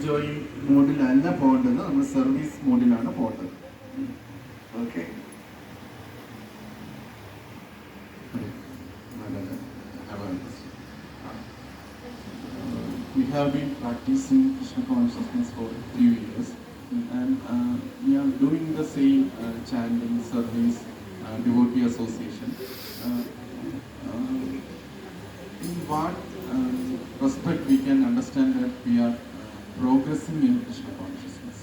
Enjoying മോഡിലല്ല പോകേണ്ടത്, നമ്മൾ service മോഡിലാണ് പോകേണ്ടത്. Okay. We have been practicing Krishna consciousness for a few years, and we are doing the same chanting, service, devotee association. In what respect we can understand that we are progressing in Krishna consciousness?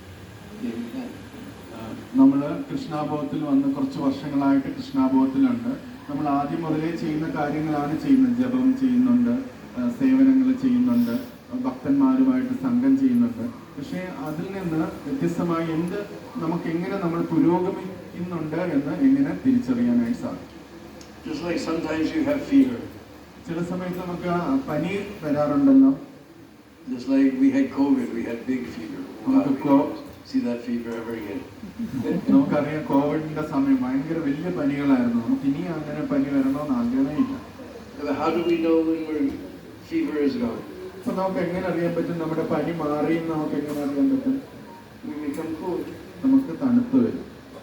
നമ്മൾ കൃഷ്ണാബോധത്തിൽ വന്ന് കുറച്ച് വർഷങ്ങളായിട്ട് കൃഷ്ണാബോധത്തിലുണ്ട്. നമ്മൾ ആദ്യം മുതലേ ചെയ്യുന്ന കാര്യങ്ങളാണ് ചെയ്യുന്നത്. ജപം ചെയ്യുന്നുണ്ട്, സേവനങ്ങൾ ചെയ്യുന്നുണ്ട്, ഭക്തന്മാരുമായിട്ട് സംഘം ചെയ്യുന്നുണ്ട്. പക്ഷേ അതിൽ നിന്ന് വ്യത്യസ്തമായി നമുക്ക് എങ്ങനെ നമ്മൾ പുരോഗമിക്കുന്നുണ്ട് എന്ന് എങ്ങനെ തിരിച്ചറിയാനായിട്ട് സാധിക്കും? Just like sometimes you have fever. ചില സമയത്ത് നമുക്ക് പനി വരാറുണ്ടല്ലോ. Just like we had COVID, we had big fever. See that fever ever again? നമുക്കറിയാം, കോവിഡിന്റെ സമയം ഭയങ്കര വലിയ പനികളായിരുന്നു. നമുക്ക് ഇനി അങ്ങനെ പനി വരണമെന്ന് ആഗ്രഹമില്ല. How do we know when our fever is gone? അപ്പൊ നമുക്ക് എങ്ങനെ അറിയാൻ പറ്റും നമ്മുടെ പനി മാറി? നമുക്ക് എങ്ങനെ അറിയാൻ പറ്റും? We become cool. നമുക്ക് തണുപ്പ് വരും.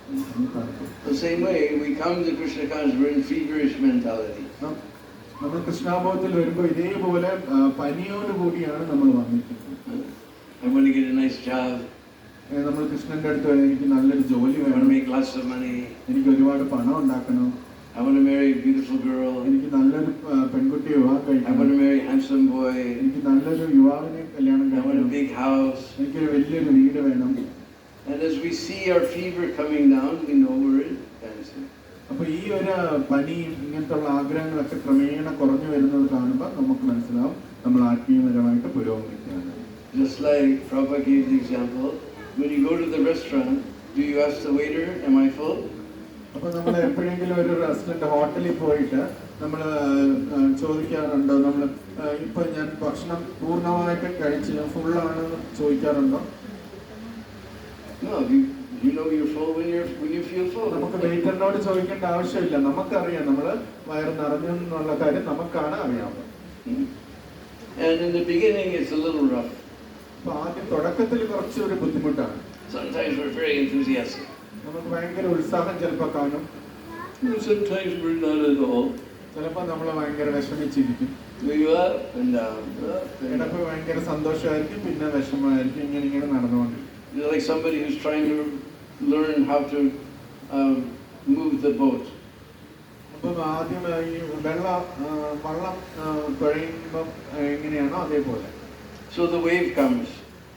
The same way we come to Krishna consciousness, we're in feverish mentality. നമ്മൾ കൃഷ്ണാബോധത്തിൽ വരുമ്പോൾ ഇതേപോലെ പനിയോട് കൂടിയാണ് നമ്മൾ വന്നിരിക്കുന്നത്. I want to get a nice job. നമ്മൾ കൃഷ്ണന്റെ അടുത്ത് വരെ എനിക്ക് നല്ലൊരു ജോലി വേണം, make lots of money, എനിക്ക് ഒരുപാട് പണം ഉണ്ടാക്കണം, I want to marry a beautiful girl, എനിക്ക് നല്ലൊരു പെൺകുട്ടിയെ വിവാഹം കഴിക്കണം, I want to marry a handsome boy, എനിക്ക് നല്ലൊരു യുവാവിനെ കല്യാണം I want a കഴിക്കണം, big house. എനിക്കൊരു വലിയൊരു വീട് വേണം. And as we see our fever coming down, we know we're in dancing. അപ്പൊ ഈ ഒരു പനിയും ഇങ്ങനത്തുള്ള ആഗ്രഹങ്ങളൊക്കെ ക്രമേണ കുറഞ്ഞു വരുന്നത് കാണുമ്പോൾ നമുക്ക് മനസ്സിലാവും നമ്മൾ ആത്മീയപരമായിട്ട് പുരോഗമിക്കുകയാണ്. Just like Prabhupada gave the example, when you go to the restaurant, do you ask the waiter, am I full? അപ്പോൾ നമ്മൾ എപ്പോഴെങ്കിലും ഒരു റെസ്റ്റോറൻറ്റ് ഹോട്ടലിൽ പോയിട്ട് നമ്മൾ ചോദിക്കാറുണ്ടോ, നമ്മൾ ഇപ്പൊ ഞാൻ ഭക്ഷണം പൂർണ്ണമായിട്ട് കഴിച്ച് ഫുള്ളാണെന്ന് ചോദിക്കാറുണ്ടോ? No, you know you're full when you feel full. നമുക്ക് വെയിറ്ററിനോട് ചോദിക്കേണ്ട ആവശ്യമില്ല. നമുക്കറിയാം നമ്മൾ വയറ് നിറഞ്ഞു എന്നുള്ള കാര്യം നമുക്കാണ് അറിയാവുന്നത്. And in the beginning it's a little rough. അപ്പൊ ആദ്യം തുടക്കത്തിൽ കുറച്ചൊരു ബുദ്ധിമുട്ടാണ്. Sometimes we're very enthusiastic. നമുക്ക് ഭയങ്കര ഉത്സാഹം ചിലപ്പോൾ കാണും. Sometimes we're not at all. ചിലപ്പോൾ നമ്മൾ ഭയങ്കര വിഷമിച്ചിരിക്കും. We go up and down. ചിലപ്പോൾ ഭയങ്കര സന്തോഷമായിരിക്കും, പിന്നെ വിഷമമായിരിക്കും. ഇങ്ങനെ നടന്നുകൊണ്ടിരിക്കും. You're like somebody who's trying to learn how to move the boat. അപ്പം ആദ്യം ഈ വള്ളം തുഴയുമ്പം എങ്ങനെയാണോ അതേപോലെ. So the wave comes.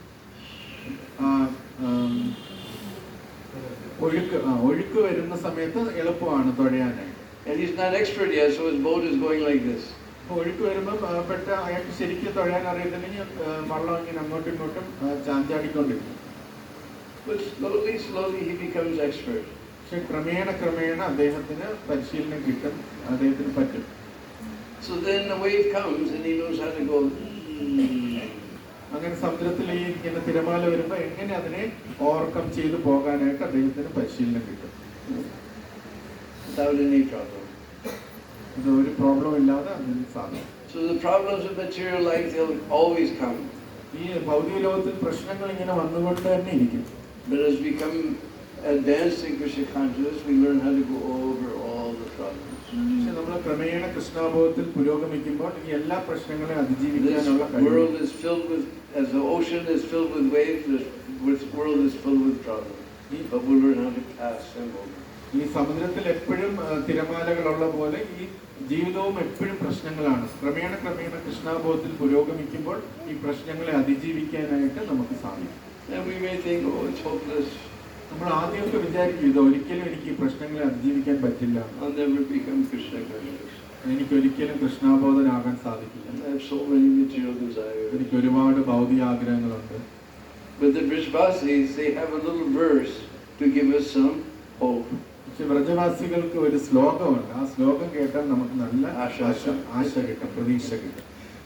ഒഴുക്ക് വരുന്ന സമയത്ത് എളുപ്പമാണ് തുഴയാനായിട്ട്. And he's not expert yet, so his boat is going like this. ഒഴുക്ക് വരുമ്പോൾ അയാൾക്ക് ശരിക്കും തുഴയാൻ അറിയത്തില്ലെങ്കിൽ വള്ളം ഇങ്ങനെ അങ്ങോട്ടും ഇങ്ങോട്ടും ചാഞ്ചാടിക്കൊണ്ടിരിക്കും. But slowly he becomes expert. പക്ഷെ ക്രമേണ അദ്ദേഹത്തിന് പരിശീലനം കിട്ടും, അദ്ദേഹത്തിന് പറ്റും. So then the wave comes and he knows how to go. അങ്ങനെ സമുദ്രത്തിൽ ഈ ഇങ്ങനെ തിരമാല വരുമ്പോൾ എങ്ങനെ അതിനെ ഓവർകം ചെയ്തു പോകാനായിട്ട് അദ്ദേഹത്തിന് പരിശീലനം കിട്ടും. Without any problem. ഇത് ഒരു പ്രോബ്ലം ഇല്ലാതെ അതിന് സാധിക്കും. So the problems of material life, they'll always come. ഈ ഭൗതിക ലോകത്തിൽ പ്രശ്നങ്ങൾ ഇങ്ങനെ വന്നുകൊണ്ട് തന്നെ ഇരിക്കും. But as we become advanced in Krishna consciousness, we learn how to go over all the problems. പക്ഷെ നമ്മൾ ക്രമേണ കൃഷ്ണാബോധത്തിൽ പുരോഗമിക്കുമ്പോൾ ഈ എല്ലാ പ്രശ്നങ്ങളെയും അതിജീവിക്കാനുള്ള This world is filled with, as the ocean is filled with waves, this world is filled with problems. But we'll learn how to pass them over. ഈ സമുദ്രത്തിൽ എപ്പോഴും തിരമാലകളുള്ള പോലെ ഈ ജീവിതവും എപ്പോഴും പ്രശ്നങ്ങളാണ്. ക്രമേണ കൃഷ്ണാബോധത്തിൽ പുരോഗമിക്കുമ്പോൾ ഈ പ്രശ്നങ്ങളെ അതിജീവിക്കാനായിട്ട് നമുക്ക് സാധിക്കും. And we may think, oh, it's hopeless. നമ്മൾ ആദ്യമൊക്കെ വിചാരിക്കും ഇത് ഒരിക്കലും എനിക്ക് ഈ പ്രശ്നങ്ങളെ അതിജീവിക്കാൻ പറ്റില്ല, I'll never become Krishna conscious. എനിക്ക് ഒരിക്കലും കൃഷ്ണാബോധനാകാൻ സാധിക്കില്ല, I have so many material desires. എനിക്ക് ഒരുപാട് ഭൗതിക ആഗ്രഹങ്ങളുണ്ട്. But the Vrishvasis, they have a little verse to give us some hope. പക്ഷെ വ്രജവാസികൾക്ക് ഒരു ശ്ലോകമുണ്ട്. ആ ശ്ലോകം കേട്ടാൽ നമുക്ക് നല്ല ആശ കിട്ടും, പ്രതീക്ഷ കിട്ടും.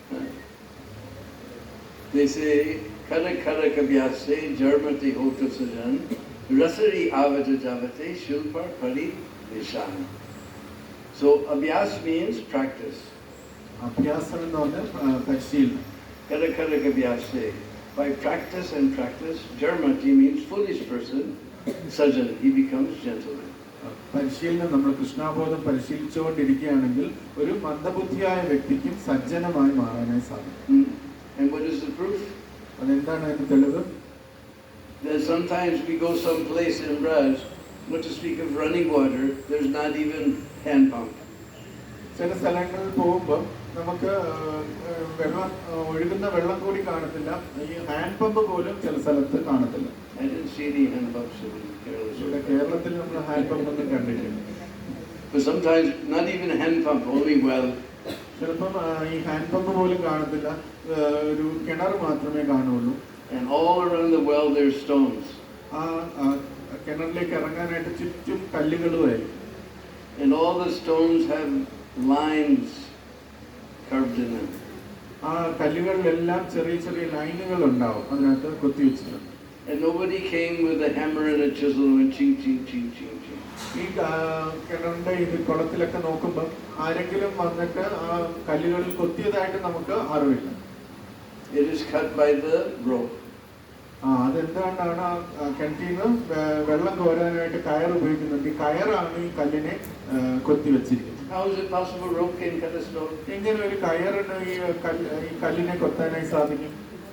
They say, Kara kara kabhyase jarmati hota sajan rasari avata javate shilpar pari nishan. So abhyas means practice. അഭ്യാസം എന്ന് പറഞ്ഞാൽ പരിശീലനം. Kara kara kabhyase. by practice and practice, Jarmati means foolish person, Sajan, he becomes gentleman. പരിശീലനം നമ്മൾ കൃഷ്ണാബോധം പരിശീലിച്ചുകൊണ്ടിരിക്കുകയാണെങ്കിൽ ഒരു മന്ദബുദ്ധിയായ വ്യക്തിക്കും സജ്ജനമായി മാറാനായി സാധിക്കും. And what is the proof? അതെന്താണ് അതിന്റെ തെളിവ്? That sometimes we go someplace in Braj, not to speak of running water, there's not even hand pump. ചില സ്ഥലങ്ങളിൽ പോകുമ്പോൾ നമുക്ക് വെള്ളം ഒഴുകുന്ന വെള്ളം കൂടി കാണത്തില്ല, ഈ ഹാൻഡ് പമ്പ് പോലും ചില സ്ഥലത്ത് കാണത്തില്ല. I didn't see any hand pumps in Kerala. കേരളത്തിൽ നമ്മൾ ഹാൻഡ് പമ്പ് ഒന്നും കണ്ടിട്ടില്ല. But sometimes not even a hand pump, only well. ചിലപ്പം ഈ ഹാൻഡ് പമ്പ് പോലും കാണത്തില്ല, ഒരു കിണർ മാത്രമേ കാണുള്ളൂ. And all around the well there's stones. ആ കിണറിലേക്ക് ഇറങ്ങാനായിട്ട് ചുറ്റും കല്ലുകളുമായിരിക്കും. And all the stones have lines carved in them. ആ കല്ലുകളിലെല്ലാം ചെറിയ ചെറിയ ലൈനുകൾ ഉണ്ടാവും, അതിനകത്ത് കൊത്തിവെച്ചിട്ടുണ്ട്. And nobody came with a hammer and a chisel and ching ching ching ching ching. ഈ കിണറിന്റെ ഇത് കുളത്തിലൊക്കെ നോക്കുമ്പോൾ ആരെങ്കിലും വന്നിട്ട് ആ കല്ലുകളിൽ കൊത്തിയതായിട്ട് നമുക്ക് അറിവില്ല. It is cut by the rope. അതെന്തുകൊണ്ടാണ് ആ കിണറ്റിൽ നിന്ന് വെള്ളം കോരാനായിട്ട് കയർ ഉപയോഗിക്കുന്നുണ്ട്. ഈ കയറാണ് ഈ കല്ലിനെ കൊത്തിവെച്ചിരിക്കുന്നത്. How is it possible rope can cut a stone? എങ്ങനെ ഒരു കയറിന് ഈ കല്ലിനെ കൊത്താനായി സാധിക്കും?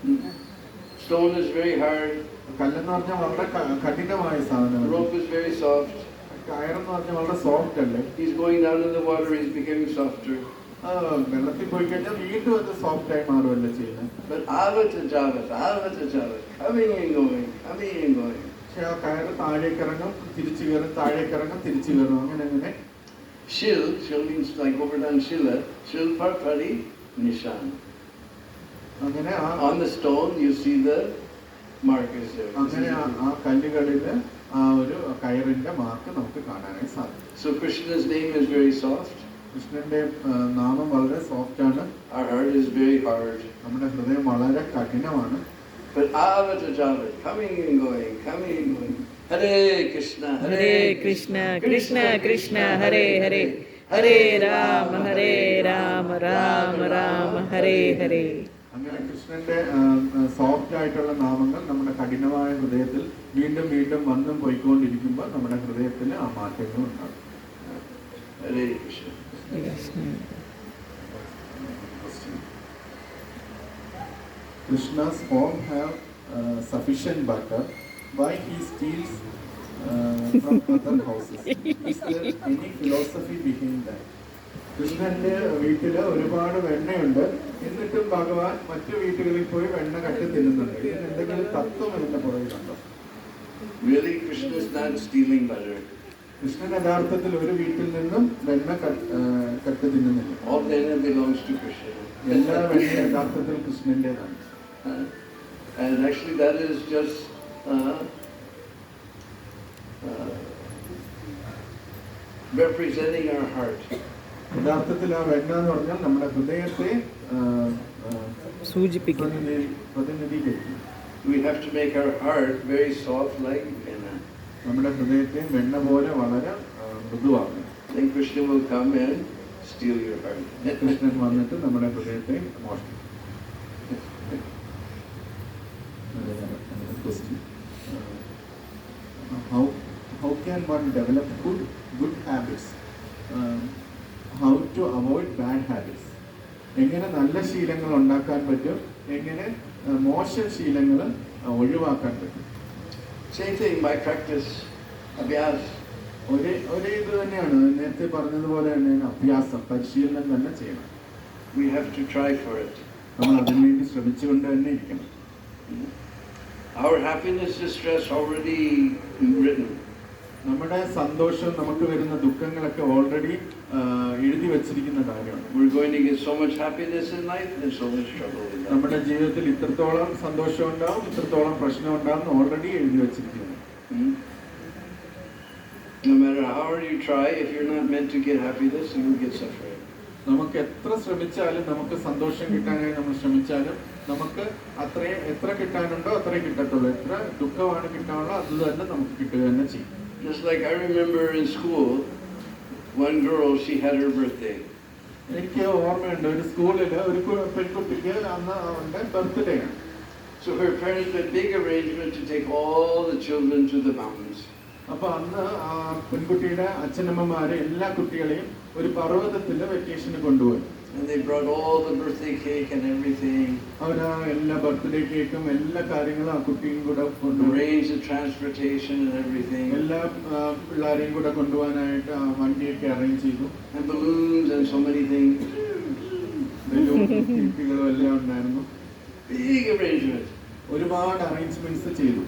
Stone is very hard. കല്ലെന്ന് പറഞ്ഞാൽ വളരെ കഠിനമായ സാധനം. Rope is very soft. കയറെന്ന് പറഞ്ഞാൽ വളരെ സോഫ്റ്റ് അല്ലേ? He's going down in the water, he's becoming softer. വെള്ളത്തിൽ പോയി കഴിഞ്ഞാൽ വീണ്ടും അത് സോഫ്റ്റ് ആയി മാറുമല്ലോ ചെയ്യുന്നത്. But avata javat, coming and going, coming and going. പക്ഷെ ആ കയറ് താഴേക്ക് ഇറങ്ങും, തിരിച്ചു കയറും, താഴേക്ക് ഇറങ്ങും, തിരിച്ചു കയറും, അങ്ങനെ അങ്ങനെ. Shil means like Govardhan Shila, Shil Parpari Nishan. അങ്ങനെ On the stone you see the markers there. അങ്ങനെ ആ കല്ലുകളില് ആ ഒരു കയറിന്റെ മാർക്ക് നമുക്ക് കാണാനായി സാധിക്കും. So Krishna's name is very soft. കൃഷ്ണന്റെ നാമം വളരെ സോഫ്റ്റ് ആണ്. Our heart is very hard. നമ്മുടെ ഹൃദയം വളരെ കഠിനമാണ്. But avata javat, coming and going, coming and going. Hare Krishna, Hare Krishna, Krishna Krishna, Hare Hare, Hare Rama, Rama Rama, Hare Hare. അങ്ങനെ കൃഷ്ണന്റെ soft ആയിട്ടുള്ള നാമങ്ങൾ നമ്മുടെ കഠിനമായ ഹൃദയത്തിൽ വീണ്ടും വീണ്ടും വന്നും പോയിക്കൊണ്ടിരിക്കുമ്പോൾ നമ്മുടെ ഹൃദയത്തിൽ ആ മാറ്റങ്ങൾ ഉണ്ടാകും. Hare Krishna. Krishna's home have sufficient butter. Why he steals from other houses? Is there any philosophy behind that? കൃഷ്ണന്റെ വീട്ടില് ഒരുപാട് വെണ്ണയുണ്ട്, എന്നിട്ടും ഭഗവാൻ മറ്റു വീട്ടുകളിൽ പോയി വെണ്ണ കട്ട് തിന്നുന്നുണ്ട്. ഇതിന് എന്തെങ്കിലും തത്വം ഇതിന്റെ പുറകിലുണ്ടോ? Really, Krishna is not stealing butter. Krishnan യഥാർത്ഥത്തിൽ ഒരു വീട്ടിൽ നിന്നും വെണ്ണ കട്ട് തിന്നുന്നില്ല. All venna belongs to Krishna. എല്ലാ വെണ്ണയും യഥാർത്ഥത്തിൽ കൃഷ്ണന്റേതാണ്. And actually that is just representing our heart. യഥാർത്ഥത്തിൽ ആ വെണ്ണ എന്ന് പറഞ്ഞാൽ നമ്മുടെ ഹൃദയത്തെ സൂചിപ്പിക്കുന്നു. പ്രതിനിധീകരിക്കും. We have to make our heart very soft like henna. നമ്മുടെ ഹൃദയത്തെ വെണ്ണ പോലെ വളരെ മൃദുവാക്കണം. Then Krishna will come and steal your heart. Krishnan വന്നിട്ട് നമ്മുടെ ഹൃദയത്തെ മോഷ്ടിക്കും. How can one develop good habits? How to avoid bad habits? എങ്ങനെ നല്ല ശീലങ്ങൾ ഉണ്ടാക്കാൻ പറ്റും, എങ്ങനെ മോശം ശീലങ്ങൾ ഒഴിവാക്കാൻ പറ്റും? Same thing by practice, abhyas. ഒരേ ഇത് തന്നെയാണ്, നേരത്തെ പറഞ്ഞതുപോലെ തന്നെയാണ് അഭ്യാസം, പരിശീലനം തന്നെ ചെയ്യണം. We have to try for it. നമ്മൾ അതിനുവേണ്ടി ശ്രമിച്ചുകൊണ്ട് തന്നെ ഇരിക്കണം. Our happiness, distress already written. നമ്മുടെ സന്തോഷം, നമുക്ക് വരുന്ന ദുഃഖങ്ങളൊക്കെ ഓൾറെഡി എഴുതി വെച്ചിരിക്കുന്ന കാര്യമാണ്. We're going to get so much happiness in life and so much trouble in life. നമ്മുടെ ജീവിതത്തിൽ ഇത്രത്തോളം സന്തോഷം ഉണ്ടാവും, ഇത്രത്തോളം പ്രശ്നം ഉണ്ടാവും, ഓൾറെഡി എഴുതി വെച്ചിരിക്കുന്നു. No matter how hard you try, if you're not meant to get happiness, you will get suffering. നമുക്ക് എത്ര ശ്രമിച്ചാലും, നമുക്ക് സന്തോഷം കിട്ടാനായി നമ്മൾ ശ്രമിച്ചാലും, നമുക്ക് എത്ര കിട്ടാനുണ്ടോ അത്രേ കിട്ടത്തുള്ളൂ. എത്ര ദുഃഖമാണ് കിട്ടാനുള്ളോ അത് തന്നെ നമുക്ക് കിട്ടുക തന്നെ ചെയ്യും. Just like I remember in school, one girl, she had her birthday. എനിക്ക് ഓർമ്മയുണ്ട്, ഒരു സ്കൂളിൽ ഒരു പെൺകുട്ടിക്ക് അന്ന് അവന്റെ ബർത്ത്ഡേ ആണ്. So her parents made big arrangement to take all the children to the mountains. അപ്പൊ അന്ന് ആ പെൺകുട്ടിയുടെ അച്ഛനമ്മമാരെ എല്ലാ കുട്ടികളെയും ഒരു പർവ്വതത്തിൽ വെക്കേഷന് കൊണ്ടുപോയി. And they brought all the birthday cake and everything. അവരാ എല്ലാ ബർത്ത്ഡേ കേക്കും എല്ലാ കാര്യങ്ങളും ആ കുട്ടിയും കൂടെ കൊണ്ടുപോയി. Arranged the transportation and everything. എല്ലാ പിള്ളേരെയും കൂടെ കൊണ്ടുപോകാനായിട്ട് ആ വണ്ടിയൊക്കെ അറേഞ്ച് ചെയ്തു. And balloons and so many things. കുട്ടികളും എല്ലാം ഉണ്ടായിരുന്നു. Big arrangement. ഒരുപാട് അറേഞ്ച്മെന്റ്സ് ചെയ്തു.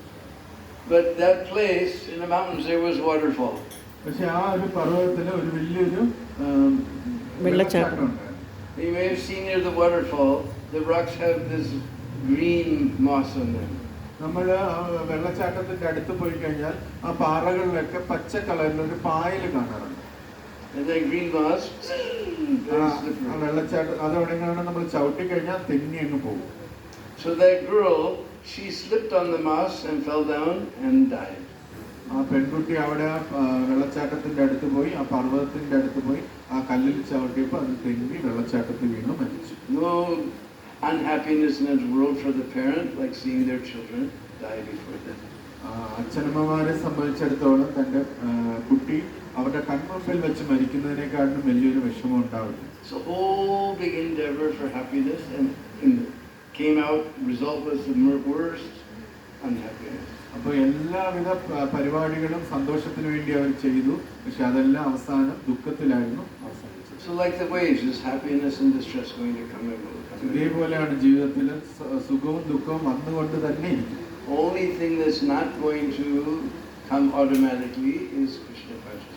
But that place in the mountains there was waterfall. പക്ഷെ ആ ഒരു പർവ്വതത്തിൽ ഒരു വലിയൊരു വെള്ളച്ചാട്ടം ഉണ്ടായിരുന്നു. You may have seen near the waterfall, the rocks have this green moss on them. നമ്മൾ ആ വെള്ളച്ചാട്ടത്തിന്റെ അടുത്ത് പോയി കഴിഞ്ഞാൽ ആ പാറകളിലൊക്കെ പച്ച കളറിൽ ഒരു പായൽ കാണാറുണ്ട്. And that green moss, very ആ slippery. വെള്ളച്ചാട്ടം അതെവിടെയാണ് നമ്മൾ ചവിട്ടി കഴിഞ്ഞാൽ തെന്നി അങ്ങ് പോകും. So that girl, she slipped on the moss and fell down and died. ആ പെൺകുട്ടി അവിടെ വെള്ളച്ചാട്ടത്തിന്റെ അടുത്ത് പോയി, ആ പർവ്വതത്തിന്റെ അടുത്ത് പോയി, ആ കല്ലിൽ ചവിട്ടിയപ്പോൾ അത് തെന്നി വെള്ളച്ചാട്ടത്തിൽ വീണ് മരിച്ചു. No unhappiness in this world for the parent, like seeing their children die before them. അച്ഛനമ്മമാരെ സംബന്ധിച്ചിടത്തോളം തന്റെ കുട്ടി അവരുടെ കൺമുമ്പിൽ വെച്ച് മരിക്കുന്നതിനേക്കാളും വലിയൊരു വിഷമം ഉണ്ടാവില്ല. So whole big endeavor for happiness and came out, result was the worst unhappiness. അപ്പോൾ എല്ലാവിധ പരിപാടികളും സന്തോഷത്തിന് വേണ്ടി അവർ ചെയ്തു, പക്ഷെ അതെല്ലാം അവസാനം ദുഃഖത്തിലായിരുന്നു അവസാനിച്ചത്. So like the waves, is happiness and distress going to come and go. ഇതേപോലെയാണ് ജീവിതത്തിൽ സുഖവും ദുഃഖവും വന്നുകൊണ്ട് തന്നെ ഇരിക്കും. Only thing that's not going to come automatically is Krishna consciousness.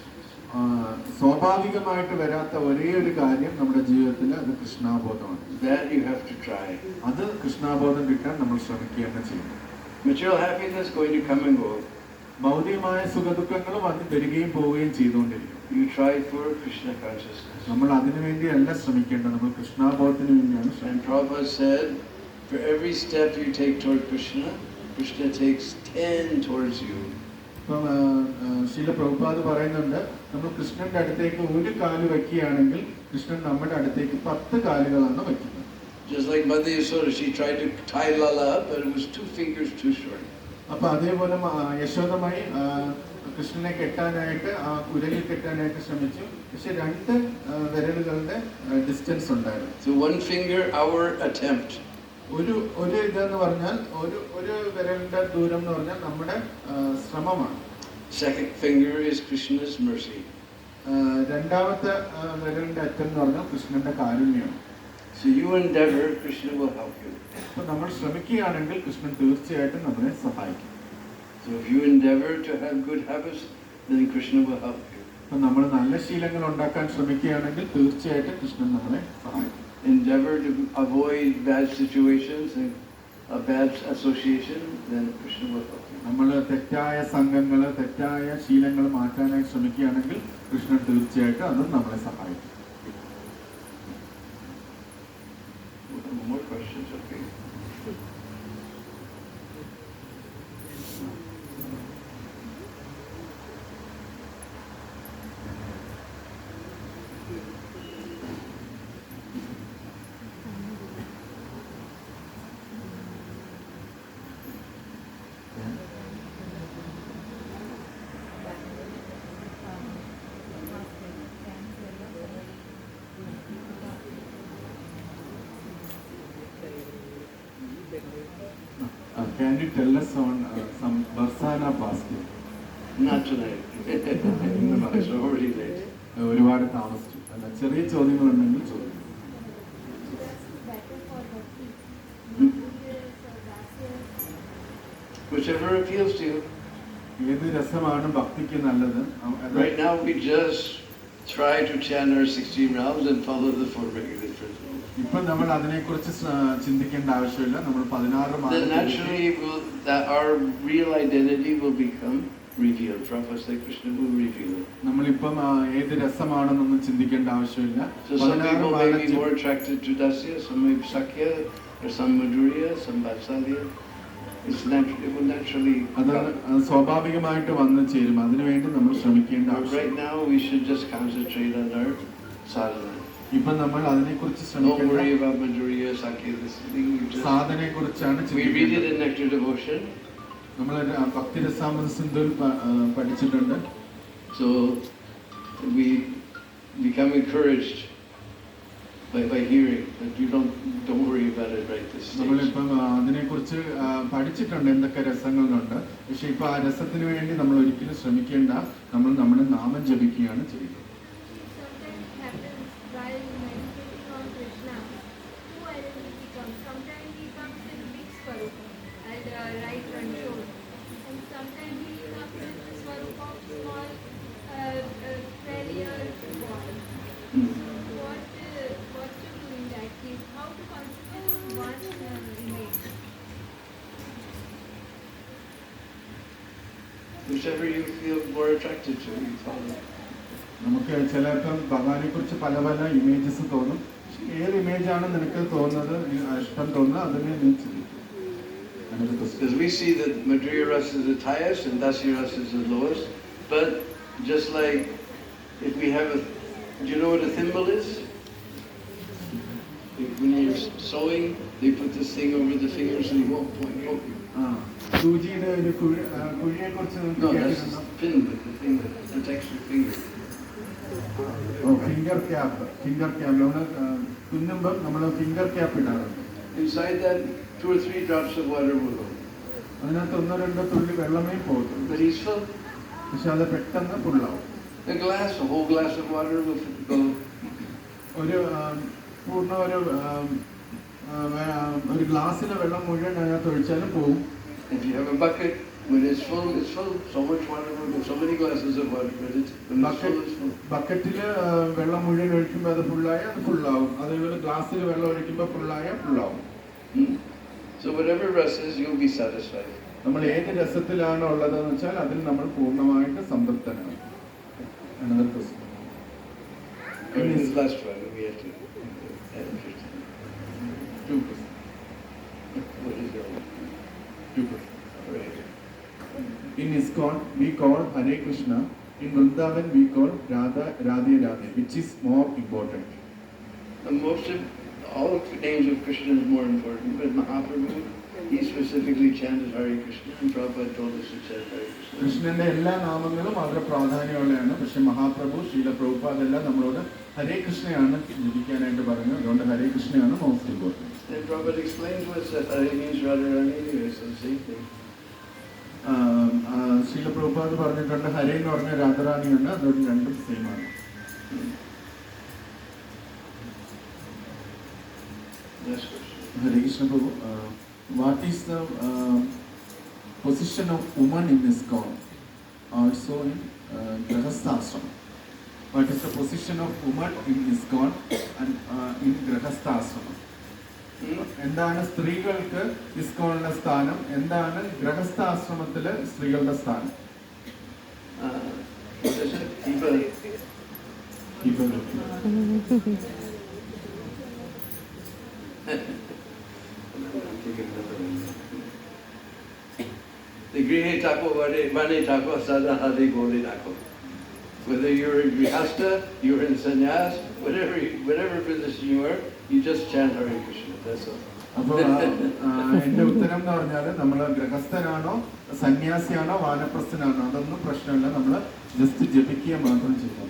സ്വാഭാവികമായിട്ട് വരാത്ത ഒരേ ഒരു കാര്യം നമ്മുടെ ജീവിതത്തിൽ അത് കൃഷ്ണാബോധമാണ്. That you have to try. അത് കൃഷ്ണാബോധം കിട്ടാൻ നമ്മൾ ശ്രമിക്കുകയാണ് ചെയ്യുന്നത്. Material happiness going to come and go. ഭൗതികമായ സുഖദുഃഖങ്ങളും വന്ന് വരികയും പോവുകയും ചെയ്തുകൊണ്ടിരിക്കും. You try for Krishna consciousness. നമ്മൾ അതിനു വേണ്ടിയല്ല ശ്രമിക്കേണ്ടത്, നമ്മൾ കൃഷ്ണാബോധത്തിന് വേണ്ടിയാണ് ശ്രമിക്കുന്നത്. And Prabhupada said, for every step you take toward Krishna, Krishna takes 10 towards you. ഇപ്പം ശീല പ്രഭുപാദ് പറയുന്നുണ്ട്, നമ്മൾ കൃഷ്ണന്റെ അടുത്തേക്ക് ഒരു കാല് വയ്ക്കുകയാണെങ്കിൽ കൃഷ്ണൻ നമ്മുടെ അടുത്തേക്ക് 10 കാലുകളാണ് വയ്ക്കുന്നത്. Just like Mother Yasoda, she tried to tie Lala up, but it was 2 fingers too short. അപ്പൊ അതേപോലെ യശോദമായി കൃഷ്ണനെ കെട്ടാനായിട്ട് ആ കുരലിൽ കെട്ടാനായിട്ട് ശ്രമിച്ചു, പക്ഷെ 2 വിരലുകളുടെ ഡിസ്റ്റൻസ് ഉണ്ടായിരുന്നു. So 1 finger, our attempt. ഒരു ഇതെന്ന് പറഞ്ഞാൽ ഒരു വിരലിന്റെ ദൂരം എന്ന് പറഞ്ഞാൽ നമ്മുടെ ശ്രമമാണ്. Second finger is Krishna's mercy. രണ്ടാമത്തെ വിരലിന്റെ അറ്റം എന്ന് പറഞ്ഞാൽ കൃഷ്ണന്റെ കാരുണ്യമാണ്. So you endeavor, Krishna will help you. അപ്പൊ നമ്മൾ ശ്രമിക്കുകയാണെങ്കിൽ കൃഷ്ണൻ തീർച്ചയായിട്ടും നമ്മളെ സഹായിക്കും. So if you endeavor to have good habits, then Krishna will help you. അപ്പൊ നമ്മൾ നല്ല ശീലങ്ങൾ ഉണ്ടാക്കാൻ ശ്രമിക്കുകയാണെങ്കിൽ തീർച്ചയായിട്ടും കൃഷ്ണൻ നമ്മളെ സഹായിക്കും. Endeavor to avoid bad situations and a bad association, then Krishna will help you. നമ്മൾ തെറ്റായ സംഘങ്ങൾ, തെറ്റായ ശീലങ്ങൾ മാറ്റാനായി ശ്രമിക്കുകയാണെങ്കിൽ കൃഷ്ണൻ തീർച്ചയായിട്ടും അതും നമ്മളെ സഹായിക്കും. More questions, okay? Can you tell us on some Barsana fasting? Not tonight. It's already late. ഒരുപാട് താമസിച്ചു. അല്ല, ചെറിയ ചോദ്യങ്ങളുണ്ടെങ്കിൽ ചോദിക്കും. Whichever appeals to you. ഏത് രസമാണ് ഭക്തിക്ക് നല്ലത്? Right now we just try to chant our 16 rounds and follow the 4 regular principles. ഇപ്പൊ നമ്മൾ അതിനെക്കുറിച്ച് ചിന്തിക്കേണ്ട ആവശ്യമില്ല. നമ്മൾ 16 Then naturally that our real identity will become revealed. Prabhupada said Krishna will reveal it. നമ്മളിപ്പം ഏത് രസമാണെന്നൊന്നും ചിന്തിക്കേണ്ട ആവശ്യമില്ല. So some people may be more attracted to Dasya, some may be Sakya, or some Madhurya, some Vatsalya. It will naturally അത് സ്വാഭാവികമായിട്ട് വന്നു ചേരും. അതിനുവേണ്ടി നമ്മൾ ശ്രമിക്കേണ്ട But ആവശ്യം. right now we should just concentrate on our sadhana. ഇപ്പൊ നമ്മൾ അതിനെക്കുറിച്ച് Don't ശ്രമിക്കേണ്ട worry about Madhurya, Sakya, this thing. സാധനയെ കുറിച്ചാണ് We read it ചിന്തിക്കേണ്ടത്. in Nectar Devotion. നമ്മൾ ഭക്തിരസാമൃത സിന്ധുവിൽ പഠിച്ചിട്ടുണ്ട്. So we become encouraged by hearing that you don't worry about it right this stage. നമ്മളിപ്പം അതിനെക്കുറിച്ച് പഠിച്ചിട്ടുണ്ട് എന്തൊക്കെ രസങ്ങളുണ്ട്. പക്ഷെ ഇപ്പൊ ആ രസത്തിന് വേണ്ടി നമ്മൾ ഒരിക്കലും ശ്രമിക്കേണ്ട. നമ്മൾ നമ്മുടെ നാമം ജപിക്കുകയാണ് ചെയ്യുന്നത്. Sometimes it happens while meditating on Krishna, two identity comes. Sometimes he comes in big swarupa as right control, and sometimes he comes in the swarupa of small failure boy. So what to do in that case? How to consider one image? Whichever you feel more attracted to, you follow. നമുക്ക് ചിലപ്പം ഭഗവാനെ കുറിച്ച് പല പല images തോന്നും. ഏത് ഇമേജാണ് നിനക്ക് തോന്നുന്നത്, ഇഷ്ടം തോന്നുന്നത്, അതിനെ നീ ചിന്തിക്കും. Because we see that Madhurya Rasa is the highest and Dasya Rasa is the lowest. But just like if we have do you know what a thimble is? When you're sewing, they put this thing over the fingers and you won't point. സൂചിയുടെ ഒരു കുഴിയെ കുറിച്ച് No, that's the pin, the thing that protects your finger. Finger cap. നമ്മൾ തുന്നുമ്പോൾ നമ്മൾ finger cap ഇടാറുണ്ട്. Inside that, 2 or 3 drops of water will go. അതിനകത്ത് 1-2 തുള്ളി വെള്ളമേ പോകത്തുള്ളൂ. But he's full. പക്ഷെ അത് പെട്ടെന്ന് ഫുള്ളാവും. A whole glass of water will go. ഒരു പൂർണ്ണ ഒരു ഗ്ലാസ്സിലെ വെള്ളം മുഴുവൻ അതിനകത്ത് ഒഴിച്ചാലും പോകും. If you have a bucket, when it's full, it's full. So much water will go. So many glasses of water, but when it's full, it's full. ബക്കറ്റിൽ വെള്ളം മുഴുവൻ ഒഴിക്കുമ്പോൾ അത് ഫുള്ളായ അത് ഫുള്ളാവും. അതേപോലെ ഗ്ലാസ്സിൽ വെള്ളം ഒഴിക്കുമ്പോൾ ഫുള്ളായ ഫുള്ളാവും. So whatever rasa is, you'll be satisfied. നമ്മൾ ഏത് രസത്തിലാണ് ഉള്ളതെന്ന് വെച്ചാൽ അതിൽ നമ്മൾ പൂർണ്ണമായിട്ട് സംതൃപ്തനാണ്. Another question. And this last one, we have to add 15. 2 questions. What is your 2 questions. right? In ISKCON, we call Hare Krishna. In Vrindavan, we call Radha Radhe Radhe. Which is more important? All of the names of Krishna is more important, but Mahaprabhu, he specifically chanted Hare Krishna, and Prabhupada told us to chant Hare Krishna. കൃഷ്ണന്റെ എല്ലാ നാമങ്ങളും വളരെ പ്രാധാന്യമുള്ളതാണ്. പക്ഷെ മഹാപ്രഭു ശ്രീല പ്രഭുപാദ് എല്ലാം നമ്മളോട് ഹരേ കൃഷ്ണയാണ് ജപിക്കാനായിട്ട് പറഞ്ഞു. അതുകൊണ്ട് ഹരേ കൃഷ്ണയാണ് most important. And Prabhupada explained to us that Hare means Radharani anyway, so the same thing. Srila Prabhupad പറഞ്ഞിട്ടുണ്ട് ഹരേ എന്ന് പറഞ്ഞ രാധാറാണിയാണ്. അതുകൊണ്ട് രണ്ടും സെയിം ആണ്. Next question. Hare Krishna Prabhu, what is the position of woman in ISKCON? Also in Grahastha Ashrama. What is the position of woman in ISKCON and in Grahastha Ashrama? എന്താണ് സ്ത്രീകൾക്ക് ഇസ്കോണിലെ സ്ഥാനം, എന്താണ് ഗൃഹസ്ഥ ആശ്രമത്തിലെ സ്ത്രീകളുടെ സ്ഥാനം? What is it? The Grihe Tako Vane Tako Sada Hadi Goli Tako. Whether you're in Grihastha, you're in Sannyas, whatever position you are, you just chant Hare Krishna. That's all. അപ്പോൾ എന്റെ ഉത്തരം എന്ന് പറഞ്ഞാൽ നമ്മൾ ഗൃഹസ്ഥനാണോ സന്യാസിയാണോ വാനപ്രസ്ഥനാണോ അതൊന്നും പ്രശ്നമില്ല. നമ്മൾ ജസ്റ്റ് ജപിക്കുക മാത്രം ചെയ്യാം.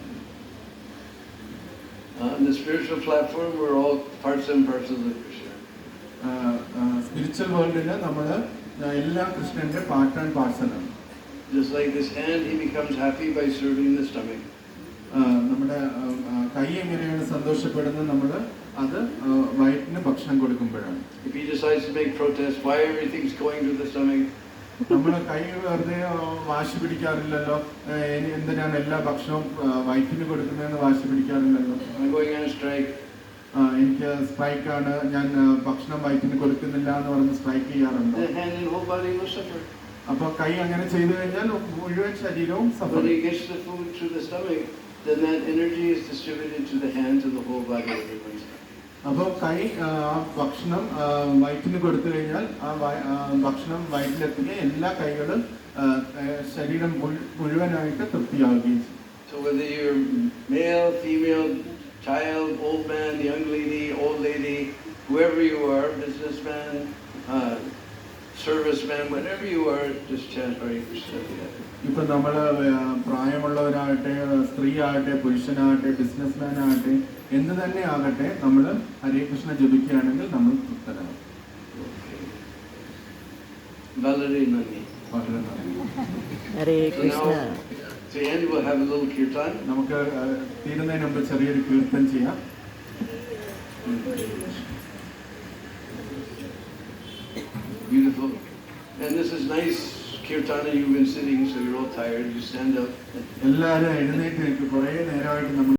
On the spiritual platform, we're all parts and parcels of Krishna. Spiritual വേൾഡിൽ നമ്മൾ എല്ലാ കൃഷ്ണന്റെ പാർട്ട് ആൻഡ് പാർസൽ ആണ്. Just like this hand, he becomes happy by serving the stomach. നമ്മുടെ കൈ എങ്ങനെയാണ് സന്തോഷപ്പെടുന്നത്, നമ്മൾ അത് വയറ്റിന് ഭക്ഷണം കൊടുക്കുമ്പോഴാണ്. If he decides to make protest, why everything's going to the stomach? നമ്മൾ കൈ വെറുതെ വാശി പിടിക്കാറില്ലല്ലോ. എന്തിനാണ് എല്ലാ ഭക്ഷണവും വയറ്റിന് കൊടുക്കുന്നതെന്ന് വാശി പിടിക്കാറില്ലല്ലോ. I'm going on a strike. എനിക്ക് സ്ട്രൈക്കാണ്, ഞാൻ ഭക്ഷണം വയറ്റിന് കൊടുക്കുന്നില്ല എന്ന് പറഞ്ഞ് സ്ട്രൈക്ക് ചെയ്യാറുണ്ട്. The hand and whole body will suffer. അപ്പൊ കൈ അങ്ങനെ ചെയ്തു കഴിഞ്ഞാൽ മുഴുവൻ ശരീരവും Zafar. When he gets the food through the stomach, then that energy is distributed to the hand, to the whole body, everyone's. അപ്പോൾ കൈ ഭക്ഷണം വയറ്റിന് കൊടുത്തു കഴിഞ്ഞാൽ ഭക്ഷണം വയറ്റിലെത്തുക എല്ലാ കൈകളും ശരീരം മുഴുവനായിട്ട് തൃപ്തിയാവുകയും ചെയ്യും. So whether you're male, female, child, old man, young lady, old lady, whoever you are, businessman, serviceman, whatever you are, just chant Hare Krishna together. ഇപ്പൊ നമ്മള് പ്രായമുള്ളവരാകട്ടെ, സ്ത്രീ ആകട്ടെ, പുരുഷനാകട്ടെ, ബിസിനസ്മാൻ ആകട്ടെ, എന്ത് തന്നെ ആകട്ടെ, നമ്മൾ ഹരേ കൃഷ്ണ ജപിക്കുകയാണെങ്കിൽ നമ്മൾ തൃപ്തരാകും. Balari Nani. വളരെ നന്ദി. ഹരേ So Krishna. now, to end, we'll have a little kirtan. നമുക്ക് തീരുന്നതിന് മുമ്പ് ചെറിയൊരു കീർത്തൻ ചെയ്യാം. Beautiful. And this is nice kirtana. You've been sitting, so you're all tired. You stand up. എല്ലാവരും എഴുന്നേറ്റ് നിൽക്കും. കുറേ നേരമായിട്ട് നമ്മൾ